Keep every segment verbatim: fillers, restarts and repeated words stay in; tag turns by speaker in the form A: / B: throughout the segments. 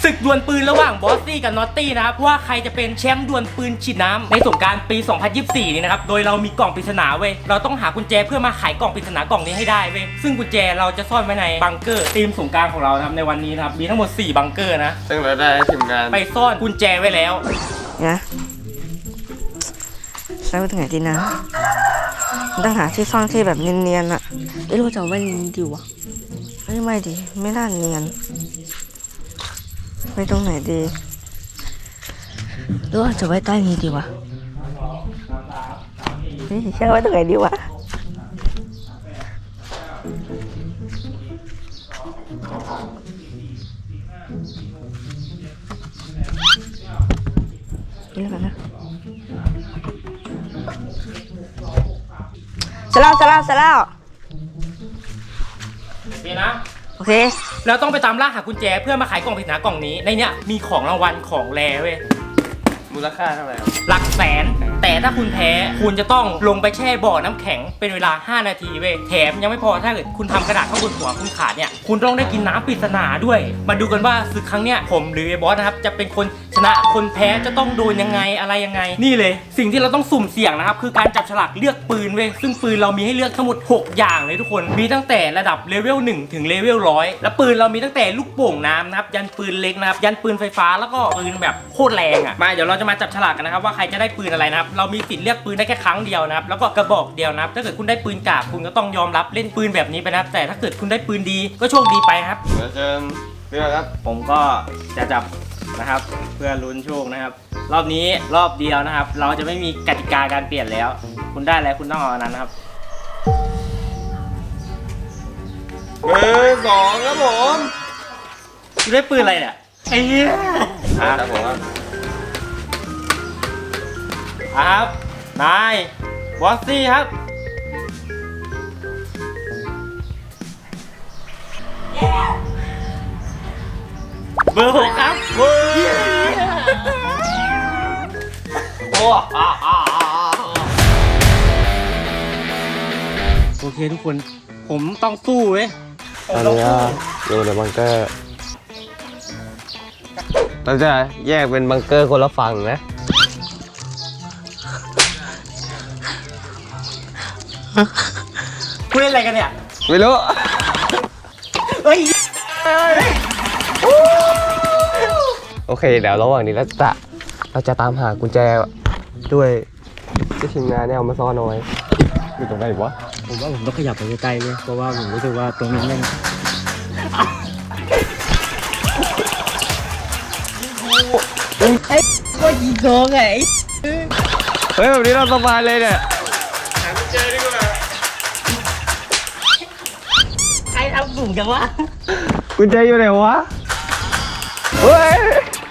A: ศึกดวลปืนระหว่างบอสซี่กับนอตตี้นะครับว่าใครจะเป็นแชมป์ดวลปืนฉีดน้ำในสงกรานต์ปีสองพันยี่สิบสี่นี้นะครับโดยเรามีกล่องปริศนาเว้ยเราต้องหากุญแจเพื่อมาไขกล่องปริศนากล่องนี้ให้ได้เว้ยซึ่งกุญแจเราจะซ่อนไว้ในบังเกอร์ทีมสงกรานต์ของเรานะครับในวันนี้นะครับมีทั้งหมดสี่บังเกอร์นะ
B: ซึ่งเราได้ทีมงาน
A: ไปซ่อนกุญแจไว้แล้ว
C: นะใช้ไปถึงไหนดีนะต้องหาที่ซ่อนที่แบบเนียนๆอะเอ้เราจะเอาไว้นี้ดีวะไม่ไม่ดีไม่น่าเนียนไปตรงไหนดีหรือว่าจะไว้ใต้นี้ดีวะนี่เชื่อไว้ตรงไหนดีวะนี่แล้วกันนะเสร็จแล้วเสร็จแล้วเสร็จแล้ว
A: โอเคนะ
C: โอเค
A: แล้วต้องไปตามล่าหากุญแจเพื่อมาไขกล่องปริศนากล่องนี้ในเนี้ยมีของรางวัลของแรเว้ย
B: มูลค่าเท่าไหร่
A: หลักแสนแต่ถ้าคุณแพ้คุณจะต้องลงไปแช่บ่อน้ำแข็งเป็นเวลาห้านาทีเว้ยแถมยังไม่พอถ้าเกิดคุณทำกระดาษข้างบนหัวคุณขาดเนี่ยคุณต้องได้กินน้ำปริศนาด้วยมาดูกันว่าศึกครั้งเนี้ยผมหรือไอ้บอสนะครับจะเป็นคนชนะคนแพ้จะต้องโดนยังไงอะไรยังไงนี่เลยสิ่งที่เราต้องสุ่มเสี่ยงนะครับคือการจับฉลากเลือกปืนเว้ยซึ่งปืนเรามีให้เลือกทั้งหมดหกอย่างเลยทุกคนมีตั้งแต่ระดับเลเวลหนึ่งถึงเลเวลร้อยและปืนเรามีตั้งแต่ลูกโป่งน้ำนะครับยันปืนเล็กนะครับยันปืนไฟฟ้าแล้วก็ปืนแบบโคตรแรงอ่ะมาเดี๋ยวเราจะมาจับฉลากกันนะครับว่าใครจะได้ปืนอะไรนะครับเรามีสิทธิ์เลือกปืนได้แค่ครั้งเดียวนะครับแล้วก็กระบอกเดียวนะครับถ้าเกิดคุณได้ปืนกากคุณก็ต้องยอมรับเล่นปืนแบบนี้ไปนะครับแต่ถ้าเกิดคุณได้ปืนดีก็โชคดีไปครับ
B: เดี๋ยวเชิญเรื่องครับ
A: ผมก็จะจับนะครับเพื่อลุ้นโชคนะครับรอบนี้รอบเดียวนะครับเราจะไม่มีกติกาการเปลี่ยนแล้วคุณได้อะไรคุณต้องเอาอันนั้นนะครับ
B: เบอร์สองครับผม
A: คุณได้ปืนอะไรเนี่ยไอ้เหี้ย
B: ครับผมครับ
A: ครับนายบอสซี่ครับเบอร์หกครับเบอร์โอ้โอเคทุกคนผมต้องสู้เว้ย
B: ตอนนี้อยู่ในบังเกอร์เราจะแยกเป็นบังเกอร์คนละฝั่งนะ
A: คุยอะไรกันเนี่ย
B: ไม่รู้
A: เฮ้ย
B: โอเคเดี๋ยวระหว่างนี้เราจะเราจะตามหากุญแจด้วยที่ทีมงานเนี่ยเอามาซ่อนเอาไว้อยู่ตรงไหนวะ
A: ผมว่าผมต้องขยับไปใกล้ๆเลยเพราะว่าผมรู้สึกว่าตรงนี้มันไอ้ก็ยิงโกงไง
B: เฮ้ยแบบนี้เราสบายเลยเนี่ย
A: หากุญแจดีกว่าใครทำสุ่มจังวะ
B: กุญแจอยู่ไหนวะเฮ้ย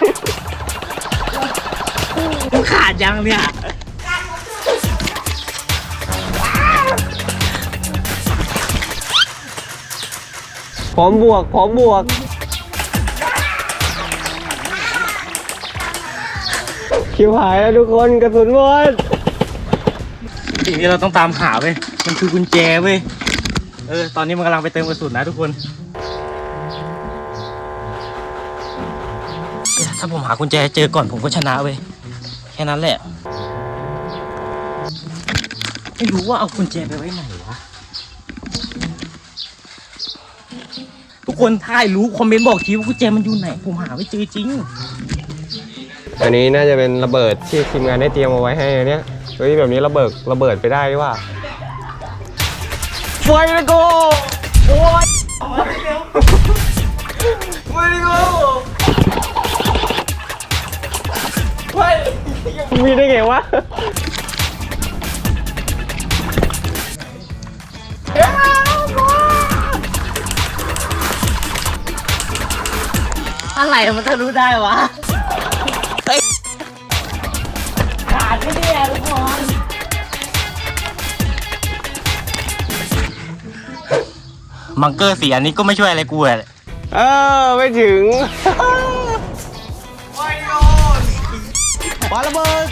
A: กูขาดยังเนี่ย
B: พร้อมบวกพร้อมบวกคิวหายแล้วทุกคนกระสุนหมด
A: สิ่งที่เราต้องตามหาเว้ยมันคือกุญแจเว้ยเออตอนนี้มันกำลังไปเติมกระสุนนะทุกคนถ้าผมหากุญแจเจอก่อนผมก็ชนะเว้ยแค่นั้นแหละไม่รู้ว่าเอากุญแจไปไว้ไหนวะทุกคนถ้าใครรู้คอมเมนต์บอกทีว่ากุญแจมันอยู่ไหนผมหาไม่เจอจริง
B: อันนี้น่าจะเป็นระเบิดที่ทีมงานได้เตรียมเอาไว้ให้เนี่ยเฮ้ยแบบนี้ระเบิดระเบิดไปได้หรือว่าไฟเลยโก้โอ้ยไฟเลยโก้ไฟมีได้ไงวะ
A: อะไรมันจะรู้ได้วะขาดไม่ได้ทุกคนบังเกอร์สีอันนี้ก็ไม่ช่วยอะไรกูเลย
B: เออไม่ถึงไม่โดนปาระเบิด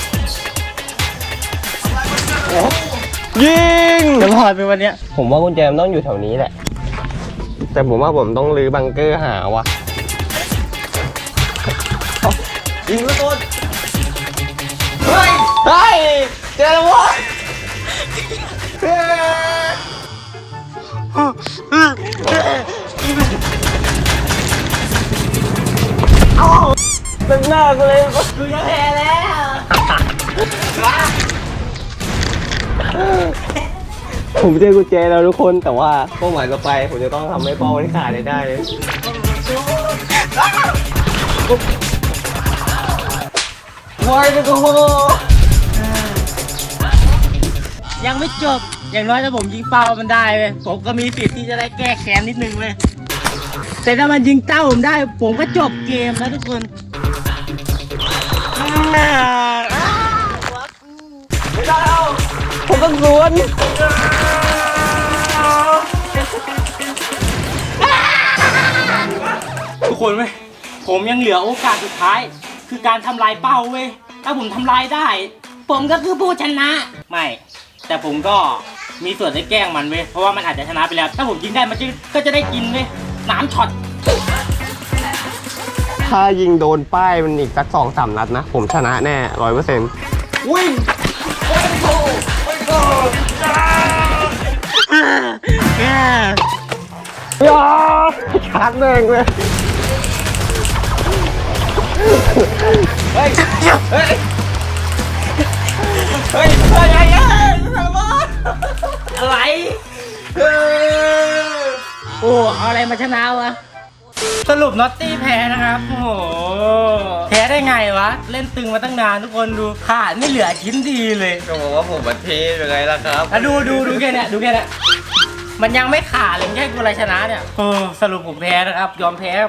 B: ยิง
A: จะรอดไปวันเนี้ย
B: ผมว่ากุญแจมันต้องอยู่แถวนี้แหละแต่ผมว่าผมต้องรื้อบังเกอร์หาวะยิงทุกคนเฮ้ยเฮ้ยเจอแล้ววะเฮ้ยเป็นหน้ากูเลยกูจะแพ้แล้วผมเจอกุญแจแล้วทุกคนแต่ว่าเป้าหมายต่อไปผมจะต้องทำให้เป้ามันขาดได้เลยว้ายทุกคน
A: ยังไม่จบอย่างน้อยถ้าผมยิงเป้ามันได้เลยผมก็มีสิทธิ์ที่จะได้แก้แค้นนิดนึงเลยแต่ถ้ามันยิงเต้าผมได้ผมก็จบเกมแล้วทุกคน
B: ไม่ได้แล้วผมต้องสวน
A: ทุกคนเว้ยผมยังเหลือโอกาสสุดท้ายคือการทำลายเป้าเว้ยถ้าผมทำลายได้ ผมก็คือผู้ชนะไม่แต่ผมก็มีส่วนได้แกล้งมันเว้ยเพราะว่ามันอาจจะชนะไปแล้ว ถ้าผมยิงได้มันจะก็จะได้กินเว้ยน้ำช็อต
B: ถ้ายิงโดนป้ายมันอีกสักสองสามนัดนะผมชนะแน่ร้อยเปอร์เซ็นต์วิ่งยาชักแดงเลยเฮ้ยเฮ้ยเฮ้ยเฮ้ยเฮ้ย
A: อะไรโอ้เอาอะไรมาชนะวะสรุปน็อตตี้แพ้นะครับโอ้โหแพ้ได้ไงวะเล่นตึงมาตั้งนานทุกคนดูขาดไม่เหลือชิ้นดีเลย
B: ก็บอกว่าผมบัตรเทยังไงล่ะครับ
A: อ่ะดูดูดูแค่เนี้ยดูแค่เนี้ยมันยังไม่ขาดเลยแค่กูอะไรชนะเนี่ยโอ้สรุปผมแพ้นะครับยอมแพ้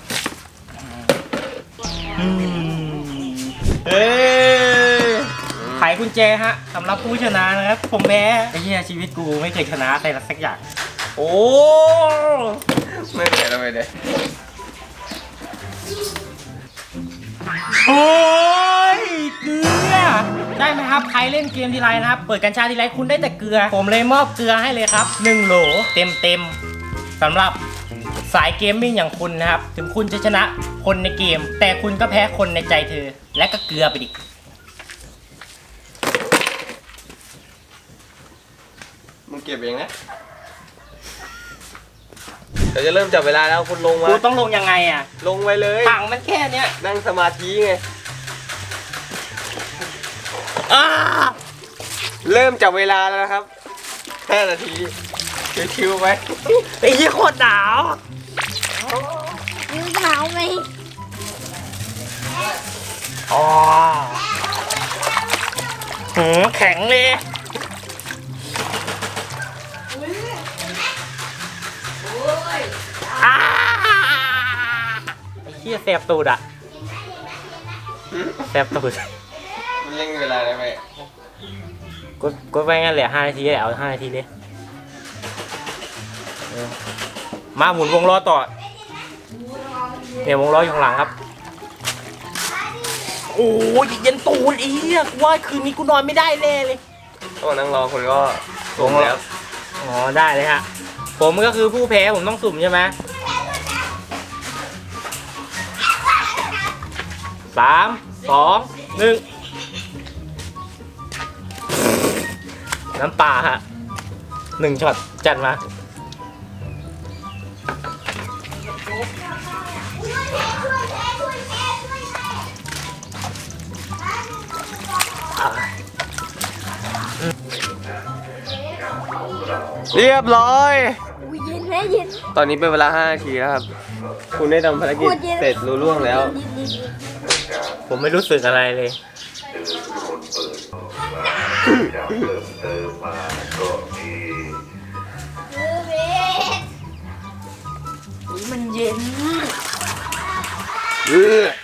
A: อืม
B: เฮ้ย
A: ไขกุญแจฮะสำหรับผู้ชนะนะครับผมแพ้ไอ้เหี้ยชีวิตกูไม่เคยชนะอะไรสักอย่าง
B: โอ้ไม่เหนื่อยทำไมเนี่ย
A: โอ้ยเกลือได้ไหมครับใครเล่นเกมทีไรนะครับเปิดกัญชาทีไรคุณได้แต่เกลือผมเลยมอบเกลือให้เลยครับหนึ่งโหลเต็มเต็มสำหรับสายเกมมิ่งอย่างคุณนะครับถึงคุณจะชนะคนในเกมแต่คุณก็แพ้คนในใจเธอและก็เกลือไปดิ
B: มึงเก็บเองนะเดี๋ยวจะเริ่มจับเวลาแล้วคุณลงมา
A: กูต้องลงยังไงอ่ะ
B: ลงไปเลย
A: ถังมันแค่เนี้ย
B: นั่งสมาธิไง
A: อ้า
B: เริ่มจับเวลาแล้วนะครับห้านาทีชิวๆไป
A: ไอ้ยี่โคตรหนาว
C: ยืดเท้าไหม
A: อ๋อหืมแข็งเลยอ้าไอ้เหี้ยแสบตูดอ่ะแสบตูด
B: มันเร่งเวลาได้ไหม
A: กดกดไปงั้นแหละห้านาทีแหละเอาห้านาทีดิเออมาหมุนวงล้อต่อเนี่ยวงล้ออยู่ข้างหลังครับโอ้ยเย็นตูดอีกว่าคืนนี้กูนอนไม่ได้แน่เลย
B: ต้องนั่งรอคนก็ลงแล้ว
A: อ๋อได้เลยฮะผมก็คือผู้แพ้ผมต้องสุ่มใช่ไหมสามสองหนึ่งน้ำปลาฮะหนึ่งช็อตจัดมา
B: เรียบร้อย
C: เย็นไหมเย็น
B: ตอนนี้เป็นเวลาห้านาทีแล้วครับ คุณได้ทำภารกิจเสร็จรู้ล่วงแล้ว
A: ผมไม่รู้สึกอะไรเลย
C: มันเย็น
B: เออ